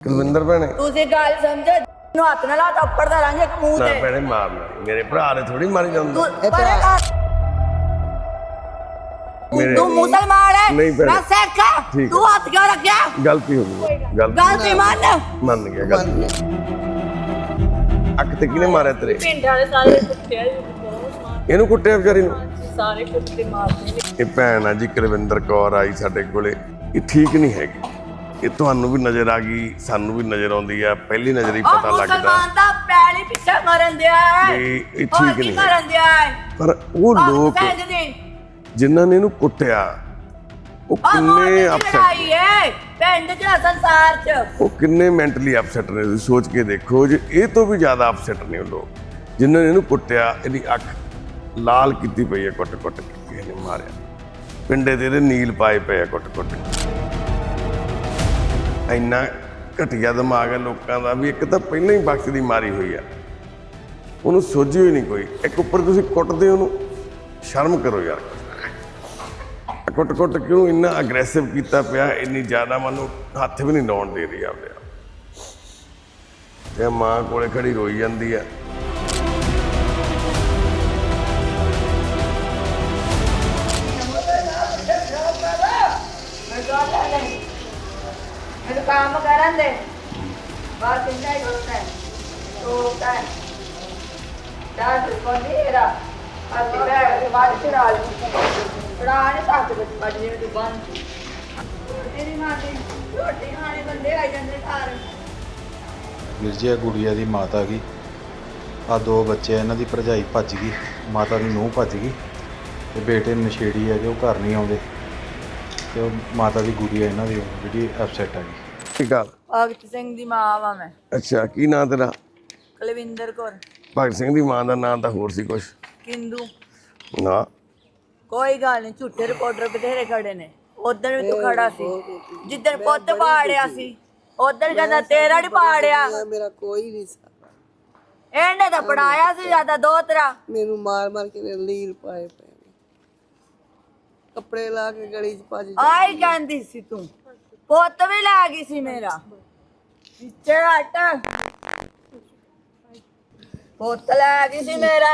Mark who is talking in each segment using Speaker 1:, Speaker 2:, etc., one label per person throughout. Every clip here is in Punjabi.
Speaker 1: ਕੁਲਵਿੰਦਰ ਭੈਣੇ
Speaker 2: ਤੁਸੀਂ ਗੱਲ ਸਮਝੋ ਨੂੰ ਹੱਥ ਨਾਲ ਲਾ ਥੱਪੜ ਦਾ ਰਾਂਗੇ ਮੂੰਹ
Speaker 1: ਨਾ
Speaker 2: ਤੇ
Speaker 1: ਭੈਣੇ ਮਾਰਨਾ ਮੇਰੇ ਭਰਾ ਨੇ ਥੋੜੀ ਮਾਰੀ ਜਾਂਦਾ
Speaker 2: ਤੂੰ ਮੁਸਲਮਾਨ ਹੈ
Speaker 1: ਨਹੀਂ ਭੈਣੇ
Speaker 2: ਮੈਂ ਸਿੱਖ ਹਾਂ ਤੂੰ ਹੱਥ ਕਿਉਂ ਰੱਖਿਆ
Speaker 1: ਗਲਤੀ ਹੋ ਗਈ
Speaker 2: ਗਲਤੀ
Speaker 1: ਮੰਨ ਗਿਆ ਗਲਤੀ ਅੱਖ ਤੇ ਕਿਹਨੇ ਮਾਰਿਆ ਤੇਰੇ
Speaker 3: ਪਿੰਡ ਵਾਲੇ ਸਾਰੇ ਕੁੱਟਿਆ ਜੀ ਬਹੁਤ ਮਾਰ
Speaker 1: ਇਹਨੂੰ ਕੁੱਟਿਆ ਵਿਚਾਰੀ ਨੂੰ
Speaker 3: ਸਾਰੇ ਕੁੱਤੇ ਮਾਰਦੇ ਨੇ
Speaker 1: ਇਹ ਭੈਣ ਆ ਜੀ ਕੁਲਵਿੰਦਰ ਕੌਰ ਆਈ ਸਾਡੇ ਕੋਲੇ ਇਹ ਠੀਕ ਨਹੀਂ ਹੈਗੀ ਇਹ ਤੁਹਾਨੂੰ ਵੀ ਨਜ਼ਰ ਆ ਗਈ ਸਾਨੂੰ ਵੀ ਨਜ਼ਰ ਆਉਂਦੀ ਆ ਪਹਿਲੀ ਨਜ਼ਰ ਹੀ ਪਤਾ ਲੱਗਦਾ
Speaker 2: ਮੁਸਲਮਾਨ ਦਾ ਪੈਣੀ ਪਿੱਛੇ ਮਰਨ ਦਿਆ ਹੈ
Speaker 1: ਵੀ ਇਹ ਠੀਕ ਨਹੀਂ ਹੈ।
Speaker 2: ਮਰਨ ਦਿਆ ਹੈ
Speaker 1: ਪਰ ਉਹ ਲੋਕ ਜਿਨ੍ਹਾਂ ਨੇ ਇਹਨੂੰ ਕੁੱਟਿਆ ਉਹ ਕਿੰਨੇ ਅਪਸੈਟ
Speaker 2: ਹੈ ਪਿੰਡ ਚ ਸੰਸਾਰ ਚ
Speaker 1: ਉਹ ਕਿੰਨੇ ਮੈਂਟਲੀ ਅਪਸੈਟ ਨੇ ਤੁਸੀਂ ਸੋਚ ਕੇ ਦੇਖੋ ਜੇ ਇਹ ਤੋਂ ਵੀ ਜ਼ਿਆਦਾ ਅਪਸੈਟ ਨੇ ਉਹ ਲੋਕ ਜਿਨ੍ਹਾਂ ਨੇ ਇਹਨੂੰ ਕੁੱਟਿਆ ਇਹਦੀ ਅੱਖ ਲਾਲ ਕੀਤੀ ਪਈ ਹੈ ਕੁੱਟ-ਕੁੱਟ ਕੇ ਕਿਸੇ ਨੇ ਮਾਰਿਆ ਪਿੰਡੇ ਤੇ ਇਹਦੇ ਨੀਲ ਪਾਏ ਪਏ ਆ ਕੁੱਟ-ਕੁੱਟ ਇੰਨਾ ਘਟੀਆ ਦਿਮਾਗ ਹੈ ਲੋਕਾਂ ਦਾ ਵੀ ਇੱਕ ਤਾਂ ਪਹਿਲਾਂ ਹੀ ਬਖਸ਼ ਦੀ ਮਾਰੀ ਹੋਈ ਆ ਉਹਨੂੰ ਸੋਝੀ ਹੋਈ ਨਹੀਂ ਕੋਈ ਇੱਕ ਉੱਪਰ ਤੁਸੀਂ ਕੁੱਟਦੇ ਉਹਨੂੰ ਸ਼ਰਮ ਕਰੋ ਯਾਰ ਕੁੱਟ-ਕੁੱਟ ਕਿਉਂ ਇੰਨਾ ਅਗਰੈਸਿਵ ਕੀਤਾ ਪਿਆ ਇੰਨੀ ਜ਼ਿਆਦਾ ਮੈਨੂੰ ਹੱਥ ਵੀ ਨਹੀਂ ਲਾਉਣ ਦੇ ਰਹੀ ਆਪਦੇ ਤੇ ਮਾਂ ਕੋਲੇ ਖੜੀ ਰੋਈ ਜਾਂਦੀ ਆ
Speaker 2: काम करन दे बस इतना ही होता है तो होता है डांस को नेरा आते बैठ बाद चढ़ा ने साथ में बजने में बंद तेरी मां की रोटी खाने बंदे आ जाते घर
Speaker 4: ਵੀਰ ਜੀ ਗੁੜੀਆ ਦੀ ਮਾਤਾ ਗਈ ਆ ਦੋ ਬੱਚੇ ਇਹਨਾਂ ਦੀ ਭਰਜਾਈ ਭੱਜ ਗਈ ਮਾਤਾ ਦੀ ਨੂੰਹ ਭੱਜ ਗਈ ਤੇ ਬੇਟੇ ਨਸ਼ੇੜੀ ਹੈਗੇ ਉਹ ਘਰ ਨਹੀਂ ਆਉਂਦੇ ਤੇ ਉਹ ਮਾਤਾ ਦੀ ਗੁੜੀਆ ਇਹਨਾਂ ਦੀ ਜਿਹੜੀ ਅਪਸੈਟ ਆ ਗਈ
Speaker 1: ਠੀਕ ਆ
Speaker 2: ਭਗਤ ਸਿੰਘ ਦੀ ਮਾਂ ਵਾ ਮੈਂ
Speaker 1: ਅੱਛਾ ਕੀ ਨਾਂ ਤੇਰਾ
Speaker 2: ਕੁਲਵਿੰਦਰ ਕੌਰ
Speaker 1: ਭਗਤ ਸਿੰਘ ਦੀ ਮਾਂ ਦਾ ਨਾਂ ਤਾਂ ਹੋਰ ਸੀ ਕੁਛ
Speaker 2: ਕਿੰਦੂ
Speaker 1: ਨਾ
Speaker 2: ਕੋਈ ਗੱਲ ਨਹੀਂ ਝੂਠੇ ਰਿਪੋਰਟਰ ਬਥੇਰੇ ਖੜੇ ਨੇ ਉਧਰ ਵੀ ਤੂੰ ਖੜਾ ਸੀ ਜਿੱਦਣ ਪੁੱਤ ਪਾੜਿਆ ਸੀ ਉਧਰ ਕਹਿੰਦਾ ਤੇਰਾ ਨਹੀਂ ਪਾੜਿਆ
Speaker 5: ਮੇਰਾ ਕੋਈ ਨਹੀਂ ਸਾ
Speaker 2: ਇਹਨੇ ਤਾਂ ਪੜਾਇਆ ਸੀ ਜਿਆਦਾ ਦੋ ਤਰ੍ਹਾਂ
Speaker 5: ਮੈਨੂੰ ਮਾਰ ਮਾਰ ਕੇ ਲੀਲ ਪਾਏ ਪਏ ਨੇ। ਕੱਪੜੇ ਲਾ ਕੇ ਗਲੀ ਚ ਭੱਜ
Speaker 2: ਆਈ ਕਹਿੰਦੀ ਸੀ ਤੂੰ ਪੁੱਤ ਵੀ ਲੈ ਗਈ ਸੀ ਮੇਰਾ ਪਿੱਛੇ ਹਟ ਪੁੱਤ ਲੈ ਗਈ ਸੀ ਮੇਰਾ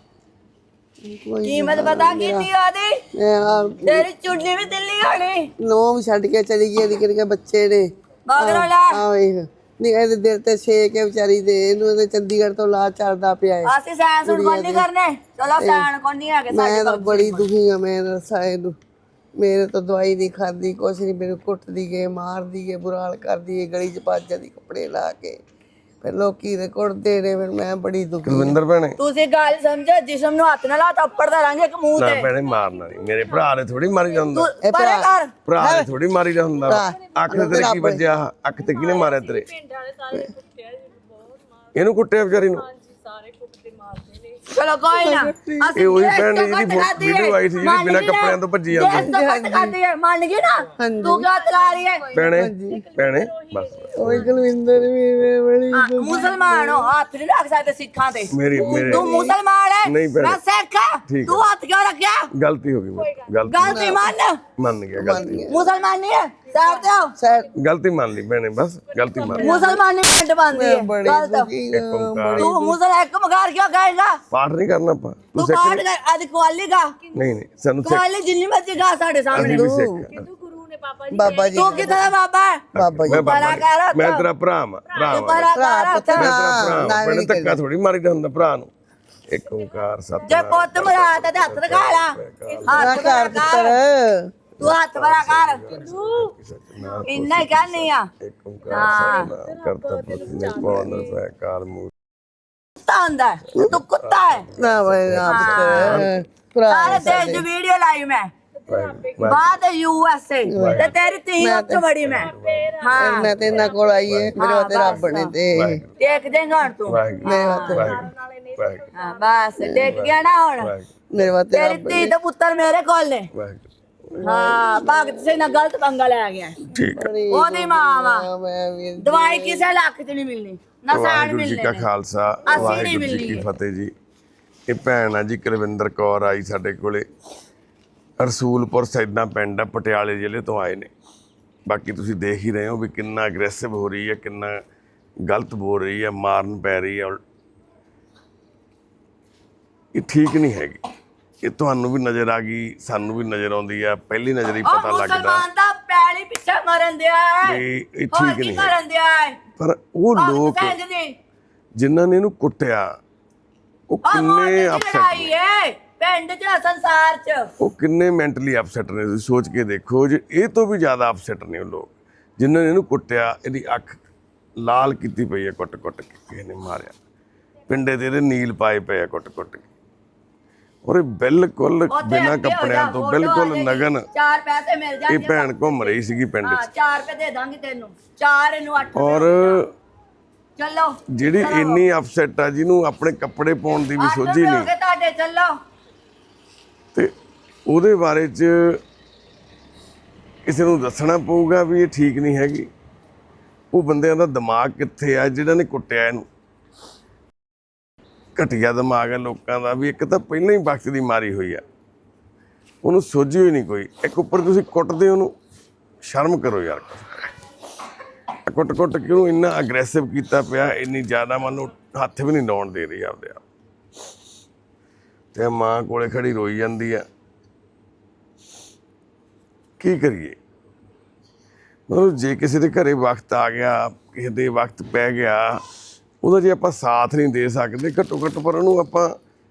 Speaker 2: ਕੀਮਤ ਪਤਾ ਕੀਤੀ ਉਹਦੀ ਤੇਰੀ ਚੁੰਨੀ ਵੀ ਦਿੱਲੀ ਹੋਣੀ
Speaker 5: ਨੌ ਵੀ ਛੱਡ ਕੇ ਚਲੀ ਗਈ ਇਹਦੀ ਕਿਹੜੇ ਬੱਚੇ ਨੇ
Speaker 2: ਮਗਰੋਂ ਲੈ
Speaker 5: ਆ ਵੇਖ ਨਹੀਂ ਇਹਦੇ ਦਿਲ ਤੇ ਛੇਕ ਹੈ ਵਿਚਾਰੀ ਦੇ ਇਹਨੂੰ ਇਹਦੇ ਚੰਡੀਗੜ੍ਹ ਤੋਂ ਲਾ ਚੜਦਾ ਪਿਆ ਹੈ
Speaker 2: ਅਸੀਂ ਸਾਇੰਸ ਹੁਣ ਕੋਈ ਨਹੀਂ ਕਰਨੇ ਚਲੋ ਸਾਇੰਸ ਕੋਈ ਨਹੀਂ ਹੈਗੇ
Speaker 5: ਮੈਂ ਤਾਂ ਬੜੀ ਦੁਖੀ ਆ ਮੈਂ ਰਸਾ ਇਹਨੂੰ ਮੇਰੇ ਤੋਂ ਦਵਾਈ ਨਹੀਂ ਖਾਂਦੀ ਕੁਛ ਨਹੀਂ ਮੈਨੂੰ ਕੁੱਟਦੀ ਗਏ ਮਾਰਦੀ ਗਏ ਬੁਰਾ ਹਾਲ ਕਰਦੀ ਗਏ ਗਲੀ 'ਚ ਭੱਜ ਜਾਂਦੀ ਕੱਪੜੇ ਲਾ ਕੇ ਫਿਰ ਲੋਕੀ ਦੇ ਕੁੱਟਦੇ ਨੇ ਫਿਰ ਮੈਂ ਬੜੀ ਦੁਖੀ
Speaker 1: ਕੁਲਵਿੰਦਰ ਭੈਣੇ
Speaker 2: ਤੁਸੀਂ ਗੱਲ ਸਮਝੋ ਜਿਸਮ ਨੂੰ ਹੱਥ ਨਾਲ ਲਾ ਥੱਪੜ ਦਾ ਰਾਂਗੇ ਮੂੰਹ
Speaker 1: ਨਾ
Speaker 2: ਤੇ
Speaker 1: ਭੈਣੇ ਮਾਰਨਾ ਨਹੀਂ ਮੇਰੇ ਭਰਾ ਨੇ ਥੋੜੀ ਮਾਰੀ ਜਾਂਦਾ
Speaker 2: ਪਰੇ ਕਰ
Speaker 1: ਭਰਾ ਨੇ ਥੋੜੀ ਮਾਰੀ ਜਾਂਦਾ ਅੱਖ ਤੇ ਤੇਰੇ ਕੀ ਵੱਜਿਆ ਅੱਖ ਤੇ ਕਿਹਨੇ ਮਾਰਿਆ ਤੇਰੇ
Speaker 3: ਪਿੰਡ ਵਾਲੇ ਸਾਰੇ ਕੁੱਟਿਆ ਜੀ ਬਹੁਤ ਮਾਰ
Speaker 1: ਇਹਨੂੰ ਕੁੱਟਿਆ ਵਿਚਾਰੀ ਨੂੰ
Speaker 3: ਹਾਂਜੀ ਸਾਰੇ ਕੁੱਤੇ ਮਾਰਦੇ ਨੇ
Speaker 2: ਚਲੋ ਕੋਈ ਨਾ
Speaker 1: ਇਹ ਉਹੀ ਭੈਣ ਨੇ ਜਿਹਦੀ ਵੀਡੀਓ ਆਈ ਸੀ ਜਿਹੜੀ ਬਿਨਾਂ ਕੱਪੜਿਆਂ ਤੋਂ ਭੱਜੀ ਜਾਂਦੀ
Speaker 2: ਮੰਨ ਗਈ ਨਾ ਤੂੰ ਕਿਉਂ ਚਲਾ ਰਹੀ ਹੈ
Speaker 1: ਭੈਣੇ ਬਸ
Speaker 5: ਓਏ ਕੁਲਵਿੰਦਰ ਵੀ ਮੈਂ ਬੜੀ
Speaker 2: ਮੁਸਲਮਾਨ ਹੋ ਹੱਥ ਨਹੀਂ ਰੱਖ ਸਕਦੇ ਸਿੱਖਾਂ ਤੇ
Speaker 1: ਮੇਰੇ
Speaker 2: ਤੂੰ ਮੁਸਲਮਾਨ ਹੈ
Speaker 1: ਨਹੀਂ ਭੈਣੇ।
Speaker 2: ਮੈਂ ਸਿੱਖ ਹਾਂ ਤੂੰ ਹੱਥ ਕਿਉਂ ਰੱਖਿਆ
Speaker 1: ਗਲਤੀ ਹੋ ਗਈ ਮੇਰੀ
Speaker 2: ਗਲਤੀ
Speaker 1: ਮੰਨ ਗਿਆ ਗਲਤੀ
Speaker 2: ਮੁਸਲਮਾਨ ਨਹੀਂ ਹੈ ਸਾਈਡ ਤੇ ਹੋ
Speaker 5: ਸੈਟ
Speaker 1: ਗਲਤੀ ਮੰਨ ਲਈ ਭੈਣੇ ਬਸ ਗਲਤੀ ਮੰਨ ਲਈ
Speaker 2: ਮੁਸਲਮਾਨ ਨਹੀਂ ਪਿੰਡ ਬੰਦੀ ਹੈ
Speaker 5: ਬੜੀ
Speaker 2: ਗਲਤ
Speaker 5: ਦੁਖੀ ਆ,
Speaker 2: ਤੂੰ ਮੁਸਲਮਾਨ ਇੱਕ ਮਗਾਰ ਕਿਉਂ ਕਹੇਗਾ
Speaker 1: ਪਾਠ ਨਹੀਂ ਕਰਨਾ ਆਪਾਂ
Speaker 2: ਤੂੰ ਪਾਠ ਕਰ ਅੱਜ ਕੁਆਲੀ ਗਾ
Speaker 1: ਨਹੀਂ ਸਾਨੂੰ
Speaker 2: ਕੁਆਲੀ ਜਿੰਨੀ ਮਰਜ਼ੀ ਗਾ ਸਾਡੇ ਸਾਹਮਣੇ
Speaker 1: ਅਸੀਂ ਵੀ ਸਿੱਖ
Speaker 3: ਤੂੰ ਗੁਰੂ ਨੇ ਪਾਪਾ ਜੀ
Speaker 5: ਬਾਬਾ ਜੀ
Speaker 2: ਤੂੰ ਕਿੱਥੇ ਦਾ ਬਾਬਾ ਹੈ
Speaker 5: ਬਾਬਾ ਜੀ
Speaker 1: ਮੈਂ
Speaker 2: ਬੜਾ ਕਰ
Speaker 1: ਮੈਂ ਤੇਰਾ ਭਰਾ ਵਾਂ
Speaker 2: ਬੜਾ ਕਰ
Speaker 5: ਪੁੱਤ
Speaker 1: ਮੈਂ
Speaker 5: ਨਾ
Speaker 1: ਤੇਰਾ ਭਰਾ
Speaker 5: ਨਾ
Speaker 1: ਵਾਂ ਧੱਕਾ ਥੋੜੀ ਮਾਰੀ ਦਾ ਹੁੰਦਾ ਭਰਾ ਨੂੰ ਇੱਕ ਓੰਕਾਰ
Speaker 2: ਜੇ
Speaker 1: ਸਤਿਨਾਮ
Speaker 2: ਪੁੱਤ ਮਰਾਤਾ ਤੇ ਹੱਥ ਰਖਾ ਲਾ
Speaker 5: ਨਾ
Speaker 2: ਹੱਥ
Speaker 5: ਕਰ ਪੁੱਤਰ
Speaker 2: ਤੂੰ ਹੱਥ ਬੜਾ ਕਰ ਇੰਨਾ ਹੀ ਕਹਿੰਦੀ ਆ
Speaker 1: ਇੱਕ ਓੰਕਾਰ ਸਤਿਨਾਮ ਕਰਤਾ ਪੁਰਖ ਨਿਰਭਉ ਨਿਰਵੈਰ ਕਾਲ ਮੂਰਤਿ
Speaker 2: ਕੁੱਤਾ ਹੁੰਦਾ ਹੈ, ਤੂੰ ਕੁੱਤਾ ਹੈ
Speaker 5: ਨਾ ਬਈ ਨਾ ਪੁੱਤਰ ਭਰਾ
Speaker 2: ਸਾਰੇ ਦੇਸ਼ ਦੀ ਵੀਡੀਓ ਲਾਈ ਮੈਂ ਬਾਅਦ USA ਤੇ ਤੇਰੀ ਤੀ ਉੱਚ ਬੜੀ ਮੈਂ ਹਾਂ
Speaker 5: ਮੈਂ ਤੇ ਇਹਨਾਂ ਕੋਲ ਆਈ ਹੈ ਮੇਰੇ ਵਾਸਤੇ ਰੱਬ ਨੇ ਤੇ
Speaker 2: ਦੇਖ ਦੇਂਗਾ ਹੁਣ ਤੂੰ
Speaker 5: ਮੇਰੇ ਵਾਸਤੇ
Speaker 2: ਹਾਂ ਬਸ ਦੇਖ ਗਿਆ ਨਾ ਹੁਣ
Speaker 5: ਮੇਰੇ ਵਾਸਤੇ
Speaker 2: ਤੇਰੀ ਤੀ ਤੇ ਪੁੱਤਰ ਮੇਰੇ ਕੋਲ ਨੇ ਹਾਂ ਭਗਤ ਸਿੰਘ ਨਾਲ ਗਲਤ ਪੰਗਾ ਲੈ ਗਿਆ
Speaker 1: ਠੀਕ ਹੈ
Speaker 2: ਉਹਦੀ ਮਾਂ ਵਾ
Speaker 5: ਮੈਂ ਵੀ
Speaker 2: ਦਵਾਈ ਕਿਸੇ ਲੱਖ ਚ ਨਹੀਂ ਮਿਲਣੀ ਨਾ ਸਾਣ
Speaker 1: ਵਾਹਿਗੁਰੂ ਜੀ
Speaker 2: ਮਿਲਣੇ
Speaker 1: ਕਾ
Speaker 2: ਨੇ।
Speaker 1: ਖਾਲਸਾ
Speaker 2: ਅਸੀਂ ਨਹੀਂ
Speaker 1: ਵਾਹਿਗੁਰੂ ਜੀ
Speaker 2: ਮਿਲਣੀ
Speaker 1: ਕੀ
Speaker 2: ਹੈ।
Speaker 1: ਫਤਿਹ ਜੀ ਇਹ ਭੈਣ ਆ ਜੀ ਕੁਲਵਿੰਦਰ ਕੌਰ ਆਈ ਸਾਡੇ ਕੋਲੇ ਰਸੂਲਪੁਰ ਸੈਦਾਂ ਪਿੰਡ ਆ ਪਟਿਆਲੇ ਜ਼ਿਲ੍ਹੇ ਤੋਂ ਆਏ ਨੇ ਬਾਕੀ ਤੁਸੀਂ ਦੇਖ ਹੀ ਰਹੇ ਹੋ ਵੀ ਕਿੰਨਾ ਅਗਰੈਸਿਵ ਹੋ ਰਹੀ ਹੈ, ਕਿੰਨਾ ਗਲਤ ਬੋਲ ਰਹੀ ਹੈ, ਮਾਰਨ ਪੈ ਰਹੀ ਹੈ। ਇਹ ਠੀਕ ਨਹੀਂ ਹੈਗੀ। ਇਹ ਤੁਹਾਨੂੰ ਵੀ ਨਜ਼ਰ ਆ ਗਈ, ਸਾਨੂੰ ਵੀ ਨਜ਼ਰ ਆਉਂਦੀ ਆ, ਪਹਿਲੀ ਨਜ਼ਰ ਹੀ ਪਤਾ ਲੱਗਦਾ
Speaker 2: ਮੁਸਲਮਾਨ ਦਾ ਪੈਲੀ ਪਿੱਛੇ ਮਰਨ ਦਿਆ ਹੈ,
Speaker 1: ਵੀ ਇਹ
Speaker 2: ਹੋਰ
Speaker 1: ਠੀਕ
Speaker 2: ਕੀ
Speaker 1: ਨਹੀਂ
Speaker 2: ਕਰਨ ਦਿਆ ਹੈ।
Speaker 1: ਪਰ ਉਹ ਲੋਕ ਜਿਨ੍ਹਾਂ ਨੇ ਇਹਨੂੰ ਕੁੱਟਿਆ ਉਹ ਕਿੰਨੇ ਅਪਸੈਟ ਨੇ,
Speaker 2: ਪਿੰਡ 'ਚ ਸੰਸਾਰ 'ਚ
Speaker 1: ਉਹ ਕਿੰਨੇ ਮੈਂਟਲੀ ਅਪਸੈਟ ਨੇ। ਤੁਸੀਂ ਸੋਚ ਕੇ ਦੇਖੋ ਜੇ ਇਹ ਤੋਂ ਵੀ ਜ਼ਿਆਦਾ ਅਪਸੈਟ ਨੇ ਉਹ ਲੋਕ ਜਿਨ੍ਹਾਂ ਨੇ ਇਹਨੂੰ ਕੁੱਟਿਆ, ਇਹਦੀ ਅੱਖ ਲਾਲ ਕੀਤੀ ਪਈ ਹੈ ਕੁੱਟ-ਕੁੱਟ ਕੇ, ਕਿਸੇ ਨੇ ਮਾਰਿਆ, ਪਿੰਡੇ ਤੇ ਇਹਦੇ ਨੀਲ ਪਾਏ ਪਏ ਆ ਕੁੱਟ-ਕੁੱਟ ਕੇ। ਔਰ ਇਹ ਬਿਲਕੁਲ ਬਿਨਾਂ ਕੱਪੜਿਆਂ ਤੋਂ, ਬਿਲਕੁਲ ਨਗਨ
Speaker 2: 4 ਪੈਸੇ ਮਿਲ ਜਾਣਗੇ।
Speaker 1: ਇਹ ਭੈਣ ਘੁੰਮ ਰਹੀ ਸੀਗੀ ਪਿੰਡ 'ਚ।
Speaker 2: 4 ਰੁਪਏ ਦੇ ਦਾਂਗੀ ਤੈਨੂੰ, 4 ਇਹਨੂੰ 8
Speaker 1: ਔਰ
Speaker 2: ਚੱਲੋ
Speaker 1: ਜਿਹੜੀ ਇੰਨੀ ਅਪਸੈਟ ਆ, ਜਿਹਨੂੰ ਆਪਣੇ ਕੱਪੜੇ ਪਾਉਣ ਦੀ ਵੀ ਸੋਝੀ ਨਹੀਂ,
Speaker 2: ਤੁਹਾਡੇ ਚੱਲੋ।
Speaker 1: ਤੇ ਉਹਦੇ ਬਾਰੇ 'ਚ ਕਿਸੇ ਨੂੰ ਦੱਸਣਾ ਪਊਗਾ ਵੀ ਇਹ ਠੀਕ ਨਹੀਂ ਹੈਗੀ। ਉਹ ਬੰਦਿਆਂ ਦਾ ਦਿਮਾਗ ਕਿੱਥੇ ਆ ਜਿਹਨਾਂ ਨੇ ਕੁੱਟਿਆ ਇਹਨੂੰ। ਘਟੀਆ ਦਿਮਾਗ ਹੈ ਲੋਕਾਂ ਦਾ ਵੀ। ਇੱਕ ਤਾਂ ਪਹਿਲਾਂ ਹੀ ਵਕਤ ਦੀ ਮਾਰੀ ਹੋਈ ਆ, ਉਹਨੂੰ ਸੋਝੀ ਹੋਈ ਨਹੀਂ ਕੋਈ। ਇੱਕ ਉੱਪਰ ਤੁਸੀਂ ਕੁੱਟਦੇ ਉਹਨੂੰ, ਸ਼ਰਮ ਕਰੋ ਯਾਰ। ਕੁੱਟ-ਕੁੱਟ ਕੇ ਉਹਨੂੰ ਇੰਨਾ ਅਗਰੈਸਿਵ ਕੀਤਾ ਪਿਆ, ਇੰਨੀ ਜ਼ਿਆਦਾ ਮਨ ਨੂੰ ਹੱਥ ਵੀ ਨਹੀਂ ਲਾਉਣ ਦੇ ਰਹੀ ਆਪਦੇ ਆਪ। ਤੇ ਮਾਂ ਕੋਲੇ ਖੜੀ ਰੋਈ ਜਾਂਦੀ ਆ। ਕੀ ਕਰੀਏ? ਮਤਲਬ ਜੇ ਕਿਸੇ ਦੇ ਘਰੇ ਵਕਤ ਆ ਗਿਆ, ਕਿਸੇ ਦੇ ਵਕਤ ਪੈ ਗਿਆ, ਉਹਦਾ ਜੇ ਆਪਾਂ ਸਾਥ ਨਹੀਂ ਦੇ ਸਕਦੇ, ਘੱਟੋ ਘੱਟ ਪਰ ਉਹਨੂੰ ਆਪਾਂ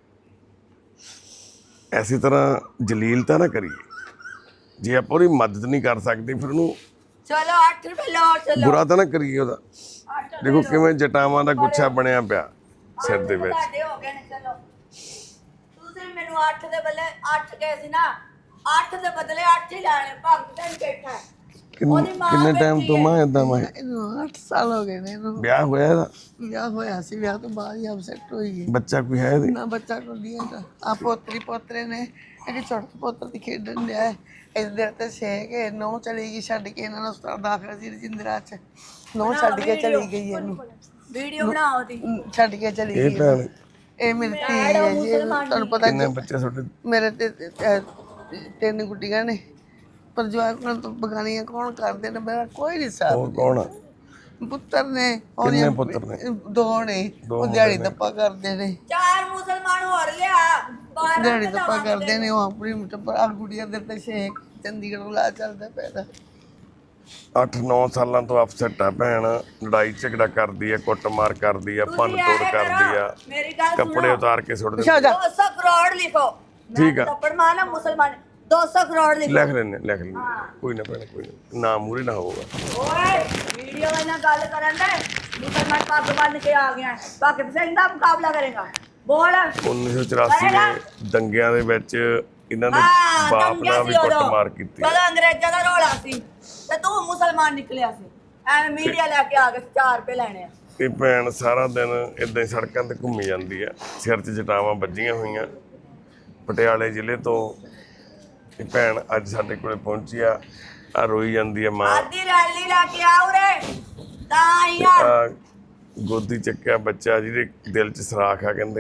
Speaker 1: ਐਸੀ ਤਰ੍ਹਾਂ ਜਲੀਲ ਤਾਂ ਨਾ ਕਰੀਏ। ਜੇ ਆਪਾਂ ਉਹਦੀ ਮਦਦ ਨਹੀਂ ਕਰ ਸਕਦੇ ਫਿਰ ਉਹਨੂੰ
Speaker 2: ਚਲੋ 8 ਰੁਪਏ ਲਓ, ਚਲੋ
Speaker 1: ਬੁਰਾ ਤਾਂ ਨਾ ਕਰੀਏ ਉਹਦਾ। ਦੇਖੋ ਕਿਵੇਂ ਜਟਾਵਾਂ ਦਾ ਗੁੱਛਾ ਬਣਿਆ ਪਿਆ ਸਿਰ ਦੇ ਵਿੱਚ।
Speaker 2: ਤੁਹਾਡੇ ਹੋ ਗਏ ਨੇ, ਚਲੋ। ਤੁਸੀਂ ਮੈਨੂੰ 8 ਦੇ ਬਦਲੇ 8 ਕਹੇ ਸੀ ਨਾ, 8 ਦੇ ਬਦਲੇ 8 ਹੀ ਲੈਣੇ। ਭਗਤ ਸਿੰਘ ਬੈਠਾ ਹੈ।
Speaker 1: ਕਿੰਨੇ ਟਾਈਮ ਤੋਂ ਮਾਂ ਏਦਾਂ ਮੈਂ
Speaker 5: ਇਹਨੂੰ 8 ਸਾਲ ਹੋ ਗਏ ਨੇ। ਇਹਨੂੰ
Speaker 1: ਵਿਆਹ ਹੋਇਆ ਇਹਦਾ?
Speaker 5: ਵਿਆਹ ਹੋਇਆ ਸੀ, ਵਿਆਹ ਤੋਂ ਬਾਅਦ ਹੀ ਅਪਸੈਟ ਹੋਈ ਹੈ।
Speaker 1: ਬੱਚਾ ਕੋਈ ਹੈ ਇਹਦੇ?
Speaker 5: ਨਾ ਬੱਚਾ ਕੋਈ ਨਹੀਂ ਹੈਗਾ। ਆ ਪੋਤਰੀ ਪੋਤਰੇ ਨੇ, ਇੱਕ ਛੋਟੇ ਪੁੱਤਰ ਦੀ ਖੇਡਣ ਡਿਆ ਹੈ। ਇੱਧਰ ਤੇ ਛੇ ਕੇ ਨੌ ਚਲੀ ਗਈ ਛੱਡ ਕੇ, ਇਹਨਾਂ ਨੂੰ ਹਸਪਤਾਲ ਦਾਖਲ ਸੀ ਰਜਿੰਦਰਾ 'ਚ। ਨੌ ਛੱਡ ਕੇ ਚਲੀ ਗਈ ਇਹਨੂੰ,
Speaker 2: ਵੀਡੀਓ ਬਣਾਓ ਦੀ।
Speaker 5: ਛੱਡ ਕੇ ਚਲੀ
Speaker 1: ਇਹ
Speaker 5: ਗਈ।
Speaker 1: ਭੈਣ
Speaker 5: ਇਹ ਮੇਰੀ ਧੀ ਹੈ ਜੀ। ਤੁਹਾਨੂੰ ਪਤਾ
Speaker 1: ਕਿੰਨੇ ਬੱਚੇ ਤੁਹਾਡੇ?
Speaker 5: ਮੇਰੇ ਤੇ 3 ਗੁੱਡੀਆਂ ਨੇ, ਪਰ ਜਵਾਕਾਂ ਤੋਂ ਬਗਾਨੀਆਂ ਕੌਣ ਕਰਦੇ ਨੇ? ਮੇਰਾ ਕੋਈ ਨਹੀਂ ਸਾਥ।
Speaker 1: ਹੋਰ ਕੌਣ ਆ?
Speaker 5: ਪੁੱਤਰ ਨੇ,
Speaker 1: ਕਿੰਨੇ ਪੁੱਤਰ ਨੇ?
Speaker 5: 2 ਨੇ। ਉਹ ਦਿਹਾੜੀ ਦੱਪਾ ਕਰਦੇ ਨੇ,
Speaker 2: 4 ਮੁਸਲਮਾਨ ਹੋਰ ਲਿਆ, 12
Speaker 5: ਦਿਹਾੜੀ ਦੱਪਾ ਕਰਦੇ ਨੇ। ਉਹ ਆਪਣੀ ਟੱਬਰ ਆ ਗੁੱਡੀਆਂ ਦੇ ਤੇ ਸ਼ੇਖ ਚੰਡੀਗੜ੍ਹ ਲਾ ਚੱਲਦਾ ਪੈਦਾ।
Speaker 1: 8-9 ਸਾਲਾਂ ਤੋਂ ਅਪਸੈਟ ਆ ਭੈਣ। ਲੜਾਈ ਝਗੜਾ ਕਰਦੀ ਆ, ਕੁੱਟਮਾਰ ਕਰਦੀ ਆ, ਭੰਨ ਤੋੜ ਕਰਦੀ ਆ,
Speaker 2: ਮੇਰੀ ਗੱਲ
Speaker 1: ਕੱਪੜੇ ਉਤਾਰ ਕੇ ਸੁੱਟ ਦਿੰਦੀ।
Speaker 2: 200 ਕਰੋੜ ਲਿਖੋ।
Speaker 1: ਠੀਕ ਆ।
Speaker 2: ਥੱਪੜ ਮਾਰਨਾ ਮੁਸਲਮਾਨ, 200 ਕਰੋੜ ਲਿਖੋ।
Speaker 1: ਲਿਖ ਲੈਣੇ ਕੋਈ ਨਾ ਭੈਣ, ਕੋਈ ਨਾ ਮੂਰੇ ਨਾ ਹੋਊਗਾ।
Speaker 2: ਓਏ ਵੀਡੀਓ ਨਾਲ ਗੱਲ ਕਰਨ ਦੇ। ਮੁਸਲਮਾਨ ਪੱਗ ਬੰਨ ਕੇ ਆ ਗਿਆ, ਭਗਤ ਸਿੰਘ ਦਾ ਮੁਕਾਬਲਾ ਕਰੇਗਾ। ਬੋਲ।
Speaker 1: 1984 ਦੇ ਦੰਗਿਆਂ ਦੇ ਵਿੱਚ ਇਹਨਾਂ ਨੇ ਬਾਪ ਨਾਲ ਵੀ ਕੁੱਟਮਾਰ ਕੀਤੀ।
Speaker 2: ਜਦੋਂ ਅੰਗਰੇਜ਼ਾਂ ਦਾ ਰੋਲਾ ਸੀ ਤੇ ਤੂੰ ਮੁਸਲਮਾਨ ਨਿਕਲਿਆ ਸੀ। ਐਵੇਂ ਮੀਡੀਆ ਲੈ ਕੇ ਆ ਕੇ 4 ਰੁਪਏ ਲੈਣੇ ਆ।
Speaker 1: ਇਹ ਭੈਣ ਸਾਰਾ ਦਿਨ ਇਦਾਂ ਹੀ ਸੜਕਾਂ ਤੇ ਘੁੰਮੀ ਜਾਂਦੀ ਆ, ਸਿਰ 'ਚ ਜਟਾਵਾਂ ਵੱਜੀਆਂ ਹੋਈਆਂ। ਪਟਿਆਲੇ ਜ਼ਿਲ੍ਹੇ ਤੋਂ ਇਹ ਭੈਣ ਅੱਜ ਸਾਡੇ ਕੋਲੇ ਪਹੁੰਚੀ ਆ ਰੋਈ ਜਾਂਦੀ ਆ ਮਾਂ।
Speaker 2: ਆਦੀ ਰੈਲੀ ਲਾ ਕੇ ਆ ਉਰੇ ਤਾਂ ਆਈ ਆ।
Speaker 1: ਗੋਦੀ ਚੱਕਿਆ ਬੱਚਾ ਜਿਹਦੇ ਦਿਲ 'ਚ ਸਰਾਖ ਆ ਕਹਿੰਦੇ।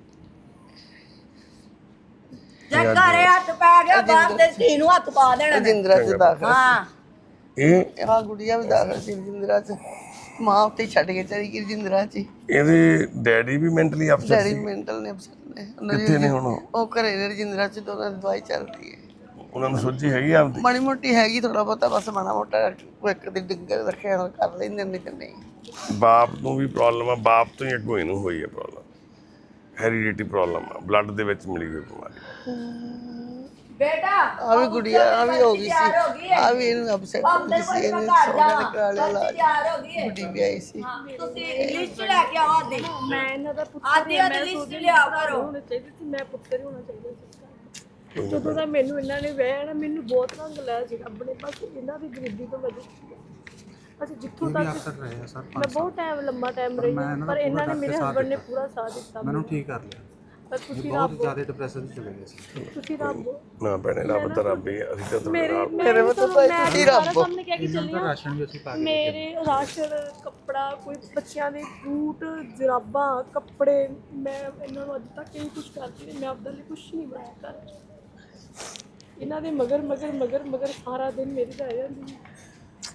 Speaker 2: ਜੇ ਘਰੇ ਹੱਥ ਪੈ ਗਿਆ ਬਾਹਰ ਤੇ ਧੀ ਨੂੰ ਹੱਥ ਪਾ ਦੇਣਾ।
Speaker 5: ਰਜਿੰਦਰਾ 'ਚ ਦਾਖਲ।
Speaker 2: ਹਾਂ
Speaker 1: ਇਹ
Speaker 5: ਆ ਗੁੱਡੀਆਂ ਵੀ ਦਾਖਲ ਸੀ ਰਜਿੰਦਰਾ 'ਚ। ਮਾਂ ਉੱਤੇ ਛੱਡ ਕੇ ਚਲੀ ਗਈ ਰਜਿੰਦਰਾ 'ਚ।
Speaker 1: ਇਹਦੇ ਡੈਡੀ ਵੀ ਮੈਂਟਲੀ ਅਪਸੈਟ
Speaker 5: ਡੈਡੀ
Speaker 1: ਸੀ।
Speaker 5: ਮੈਂਟਲ ਨੇ ਅਪਸੈਟ ਨੇ।
Speaker 1: ਕਿੱਥੇ ਨੇ ਹੁਣ
Speaker 5: ਉਹ ਘਰੇ ਨੇ ਰਜਿੰਦਰਾ 'ਚ। ਦੋਨਾਂ ਦੀ ਦਵਾਈ ਚੱਲਦੀ ਹੈ।
Speaker 1: ਉਹਨਾਂ ਨੂੰ ਸੋਝੀ ਹੈਗੀ ਆਪਦੀ?
Speaker 5: ਮਾੜੀ ਮੋਟੀ ਹੈਗੀ, ਥੋੜਾ ਬਹੁਤਾ ਬਸ ਮਾੜਾ ਮੋਟਾ ਕੋਈ ਇੱਕ ਦੀ ਡਿੱਗਰ ਰੱਖਿਆ ਹੋਇਆ ਕਰ ਲੈਂਦੇ ਨੇ ਤੇ ਨਹੀਂ।
Speaker 1: ਬਾਪ ਨੂੰ ਵੀ ਪ੍ਰੋਬਲਮ ਆ, ਬਾਪ ਤੋਂ ਹੀ ਅੱਗੋਂ ਇਹਨੂੰ ਹੋਈ ਹੈ ਪ੍ਰੋਬਲਮ। ਹੈਰੀਡਿਟੀ ਪ੍ਰੋਬਲਮ ਆ, ਬਲੱਡ ਦੇ ਵਿੱਚ ਮਿਲੀ ਹੋਈ ਬਿਮਾਰੀ।
Speaker 2: ਬੇਟਾ
Speaker 5: ਆ ਵੀ ਗੁੜੀਆ ਆ ਵੀ ਹੋ ਗਈ ਸੀ। ਆ ਵੀ ਇਹਨੂੰ ਅਪਸੈਟ ਹੋ ਗਈ ਸੀ। ਇਹਨੇ ਸੋਹਣੇ ਦੇ ਕਰਾ ਲਿਆ ਇਲਾਜ।
Speaker 2: ਤਿਆਰ ਹੋ ਗਈ ਹੈ।
Speaker 5: ਗੁੱਡੀ ਵੀ ਆਈ ਸੀ।
Speaker 2: ਤੁਸੀਂ ਲਿਸਟ ਲੈ ਕੇ ਆਓ ਆਦੀ।
Speaker 3: ਮੈਂ ਇਹਨਾਂ ਦਾ ਪੁੱਤਰ
Speaker 2: ਆਦੀ ਆਦੀ ਲਿਸਟ ਲਿਆ ਕਰੋ।
Speaker 3: ਹੋਣਾ ਚਾਹੀਦਾ ਸੀ, ਮੈਂ ਪੁੱਤਰ ਹੀ ਹੋਣਾ ਚਾਹੀਦਾ ਸੀ। ਜਦੋਂ ਦਾ ਮੈਨੂੰ ਇਹਨਾਂ ਨੇ ਵਿਆਹਿਆ ਨਾ, ਮੈਨੂੰ ਬਹੁਤ ਰੰਗ ਲਿਆ ਸੀ ਆਪਣੇ ਪਾਸ। ਇਹਨਾਂ ਦੀ ਗਰੀਬੀ ਤੋਂ ਵਜ੍ਹਾ ਅਸੀਂ ਜਿੱਥੋਂ ਤੱਕ ਮੈਂ ਬਹੁਤ ਟਾਈਮ ਲੰਮਾ ਟਾਈਮ ਰਹੀ, ਪਰ ਇਹਨਾਂ ਨੇ ਮੇਰੇ ਹਸਬੰਡ ਨੇ ਪੂਰਾ ਸਾਥ ਦਿੱਤਾ ਮੈਨੂੰ ਠੀਕ ਕਰ ਲਿਆ। ਪਰ ਤੁਸੀਂ ਰੱਬ
Speaker 6: ਜ਼ਿਆਦਾ ਡਿਪਰੈਸ਼ਨ 'ਚ ਚਲੇ ਗਏ ਸੀ।
Speaker 3: ਤੁਸੀਂ ਰੱਬ
Speaker 1: ਨਾ ਭੈਣੇ, ਰੱਬ ਤਾਂ ਰੱਬ ਹੀ ਆ। ਅਸੀਂ ਤਾਂ ਤੁਹਾਡੇ ਨਾਲ
Speaker 5: ਮੇਰੇ ਵੱਲ ਤਾਂ ਭਾਈ ਰੱਬ।
Speaker 3: ਸਾਹਮਣੇ ਕਹਿ ਕੇ ਚੱਲੀ ਹਾਂ।
Speaker 6: ਰਾਸ਼ਨ ਵੀ ਅਸੀਂ ਪਾ ਕੇ
Speaker 3: ਮੇਰੇ ਰਾਸ਼ਨ, ਕੱਪੜਾ, ਕੋਈ ਬੱਚਿਆਂ ਦੇ ਬੂਟ, ਜਰਾਬਾਂ, ਕੱਪੜੇ, ਮੈਂ ਇਹਨਾਂ ਨੂੰ ਅੱਜ ਤੱਕ ਇਹ ਕੁਝ ਕਰਦੀ ਨਹੀਂ। ਮੈਂ ਆਪਦੇ ਲਈ ਕੁਝ ਨਹੀਂ ਬਣਾਇਆ ਕਰ। ਇਹਨਾਂ ਦੇ ਮਗਰ ਮਗਰ ਮਗਰ ਮਗਰ ਸਾਰਾ ਦਿਨ ਮੇਰੀ ਰਹਿ ਜਾਂਦੀ ਹੈ।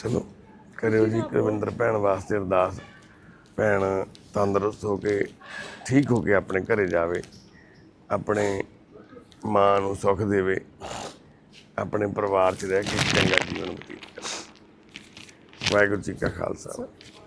Speaker 1: ਚਲੋ ਕਰਿਓ ਜੀ ਕੁਲਵਿੰਦਰ ਭੈਣ ਵਾਸਤੇ ਅਰਦਾਸ। ਭੈਣ ਤੰਦਰੁਸਤ ਹੋ ਕੇ ਠੀਕ ਹੋ ਕੇ ਆਪਣੇ ਘਰੇ ਜਾਵੇ, ਆਪਣੇ ਮਾਂ ਨੂੰ ਸੁੱਖ ਦੇਵੇ, ਆਪਣੇ ਪਰਿਵਾਰ 'ਚ ਰਹਿ ਕੇ ਚੰਗਾ ਜੀਵਨ ਬਤੀਤ ਕਰੇ। ਵਾਹਿਗੁਰੂ ਜੀ ਕਾ ਖਾਲਸਾ।